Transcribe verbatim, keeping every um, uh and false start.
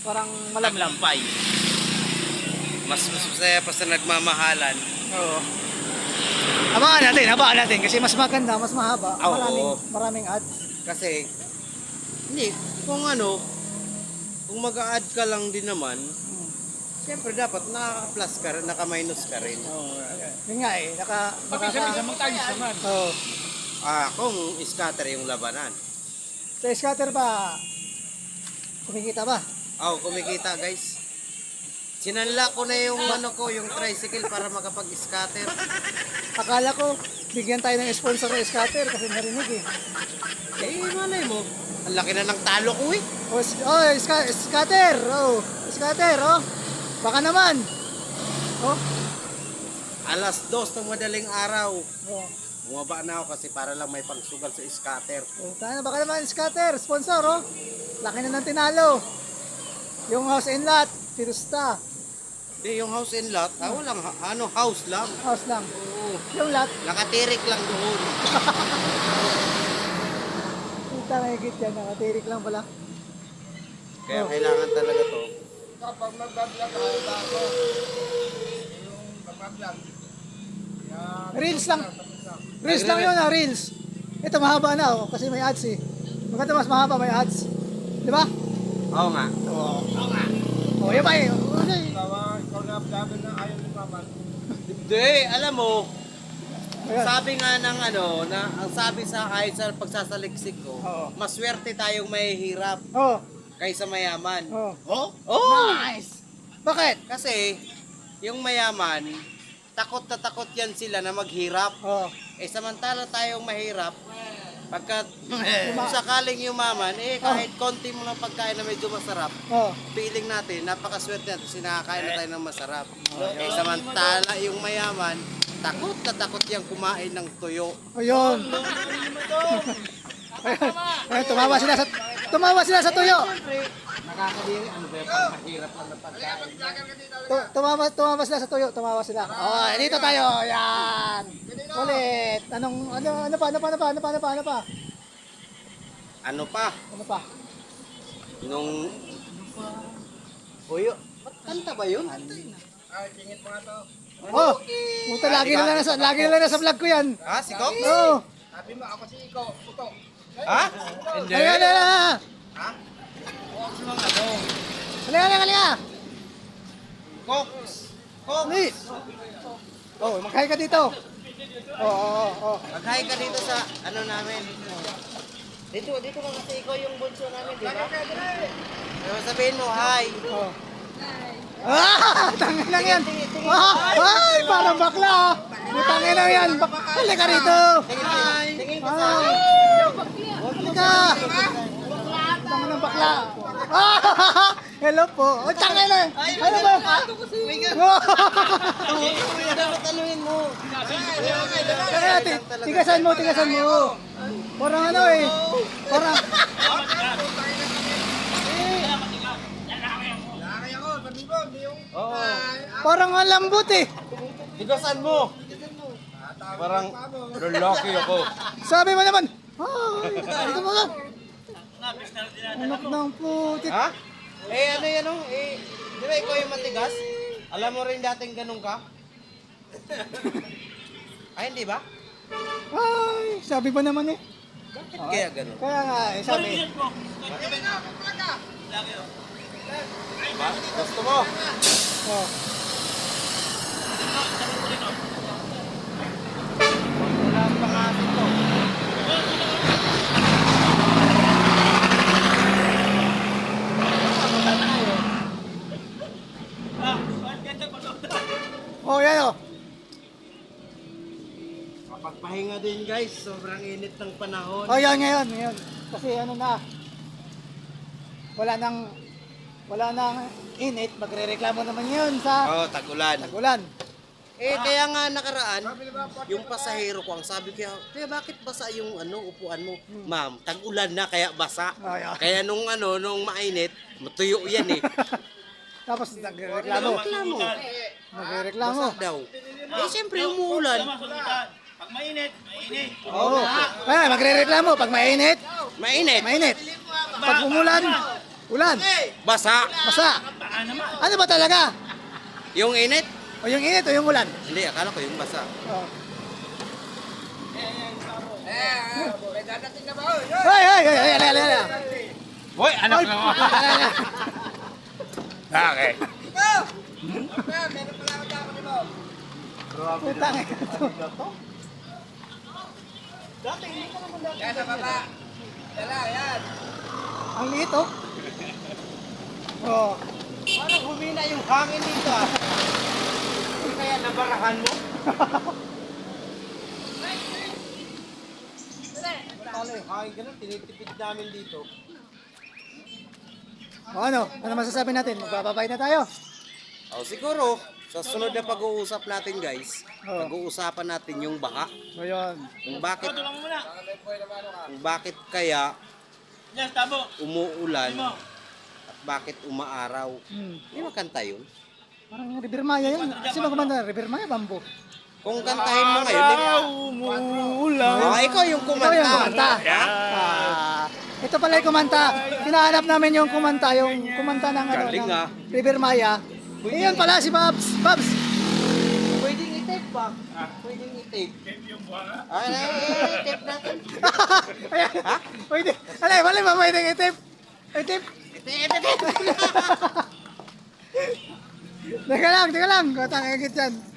Parang malamlam. Maglampay. Mas mas masaya pa sa nagmamahalan. Oo. Abangan natin, abangan natin kasi mas maganda, mas mahaba. Oo. Maraming, maraming ads. Kasi, hindi, kung ano, kung mag-a-add ka lang din naman, Hmm. siyempre dapat naka-plus ka rin, naka-minus ka rin. Oo. Yun nga eh, naka... Pag-isa-isa magtayos naman. Oo. Ah, kung scatter yung labanan. Sa scatter ba, kumikita ba? Oh, kumikita guys. Sinanla ko na yung ano ko, yung tricycle para makapag-scatter. Akala ko, bigyan tayo ng sponsor ng scatter kasi narinig eh. Eh, malay mo. Ang laki na ng talo ko eh. Oh, s- oh ska- scatter! Oh, scatter, oh. Baka naman. Oh. Alas dos ng madaling araw. Oh. Bumaba na ako kasi para lang may pangsugal sa scatter. Oh, tayo, baka naman scatter, sponsor, oh. Laki na ng tinalo. Yung house and lot, Pirusta. Hindi, yung house and lot, ah, walang ha- ano, house lang. House lang. Oo. Yung lot, Nakatirik lang doon. kita na higit yan, nakatirik lang pala. Kaya Oh. kailangan talaga to. Kapag magbablog ako, ako, yung magbablog, yan. Reels lang. Reels lang yun, ah, reels. Ito mahaba na, oh, kasi may ads eh. Maganda mas mahaba, may ads. Di ba? Oo nga. Oo. Oo nga. Oh, yun ba eh. Oh, okay. Ikaw, ikaw na vlogger na ayaw ni Maman. Hindi, alam mo, Ayan. sabi nga ng ano, na ang sabi sa kahit sa pagsasaliksik ko, Oo. maswerte tayong mahihirap Oh. kaysa mayaman. Oh. Oh? Oh! Nice. Bakit? Kasi, yung mayaman, takot na takot yan sila na maghirap. Oh. Eh, samantala tayong mahirap, pagka kung sakaling yumaman, eh, kahit konti mo ng pagkain na medyo masarap, Oh. feeling natin, napakaswerte natin, sinakakain na tayo ng masarap. Eh, samantala yung mayaman, takot na takot yung kumain ng tuyo. Ayun. Ayun. Ayun, tumawa sila sa tumawa sila sa tuyo. Nakakadiri, ano ba yung pagkahirap lang na pagkain? Tu- Tumawa tumawa sila sa tuyo, tumawa sila. Oh, dito tayo. Yan. Ulit. Anong ano ano pa ano pa ano pa ano pa ano pa ano pa? Ano pa? Ano pa? Nung... Uyo, ba't kanta ba yun? Ay, tingin mo nga to. Oh. Puta lagi na lang nasa lagi na lang nasa vlog ko yan. Ha? Si Cox? Oh. Sabi mo, ako si Iko, Uto. Ha? Hindi. Ayan na. Ha? Cox lang ano? Halika halika halika. Cox! Cox! Ni. Oh, maghay ka dito. Oh, oh, oh. Mag-hi ka dito sa ano namin. Dito, dito ka kasi ikaw yung bunso namin, di ba? Pero sabihin mo, hi! Oh. Ah, tangin lang yan. Ah, ay, parang bakla. ah. Tangin lang yan. Bak- Halika rito. Hi! Tingin ka sa Ah, akin. halika. Tangin ng bakla. Ah, hello po. Oh, tangin na. Ano ba? Oh. Dapat anuhin mo. Kaya, ti- tigasan mo, tigasan mo. Parang ano eh. Parang, Laki ako, sabi mo, hindi yung... Oo. parang ang lambot eh. Tigasan mo. Parang lalaki ako. Sabi mo naman. Ay, ito mo lang. Anak ng putit. Ha? Eh ano yan oh? Eh, di ba ikaw yung matigas? Alam mo rin dating ganun ka? Ay, hindi ba? Ay, sabi ba naman eh. Bakit kaya ganun? Kaya nga, eh, sabi. Diba? Gusto mo? Oh. Wala ang pangasin ko. Oh, yan oh. Kapagpahinga din guys, sobrang init ng panahon. Oh, yan ngayon, ngayon. Kasi ano na. Wala nang wala nang init, magrereklamo naman 'yun sa Oo, tag-ulan. tagulan. Eh, kaya nga nakaraan, yung pasahero ko, ang sabi ko, kaya bakit basa yung ano, upuan mo? Ma'am, tag-ulan na, kaya basa. Ay, ay. Kaya nung ano, nung mainit, matuyo yan eh. Tapos nagrereklamo. Reklamo. Nagrereklamo. Basa daw. Eh, siyempre umuulan. Pag mainit, mainit. Oo. Oh. Ay, magrereklamo pag mainit, Mainit. mainit. Pag umulan, Ulan. Basa. Basa. Ano ba talaga? Yung init? O yung init o yung ulan? Hindi, akala ko yung basa. Oh. Eh, may dadating na ba? Oh, yun! Hoy, hoy, hoy, hoy, ala, ala, ala. Hoy, anak ng Ala, ala. Okay. Ikaw! Okay, meron pala ako dako ni mo. Putang ina to. Yan, sa baba. Dala, yan. Ang liit oh. Oh. Parang humina yung hangin dito ah. Kaya nabarahan mo? Paano yung hangin ganun? Tinitipid namin dito. O ano? Ano masasabi natin? Magbababay na tayo. O siguro, sa sunod na pag-uusap natin guys, Oo. pag-uusapan natin yung baha. O yun. Kung bakit, Tulungan mo na. kung bakit kaya Yan, tabo. umuulan at bakit umaaraw. Hmm. Di ba kanta yun? Parang River Maya yan. Sino kumanta? River Maya, Bambo. Kung kantahin mo ngayon, di ba? Umuulan. Oh, ikaw yung Ikaw kumanta. yung kumanta. Ah, ito pala yung kumanta. Hinahanap namin yung kumanta, yung kumanta ng, ano, Galing, ng ah. River Maya. Eh, yun pala si Babs. Babs. Pwedeng i-tape pa. Pwedeng i-tape. Ay, ay, ay, tape natin. Ayan. Pwede. Alay, wala ba pwedeng itip? Itip? Teka lang, teka lang. Katang agit yan.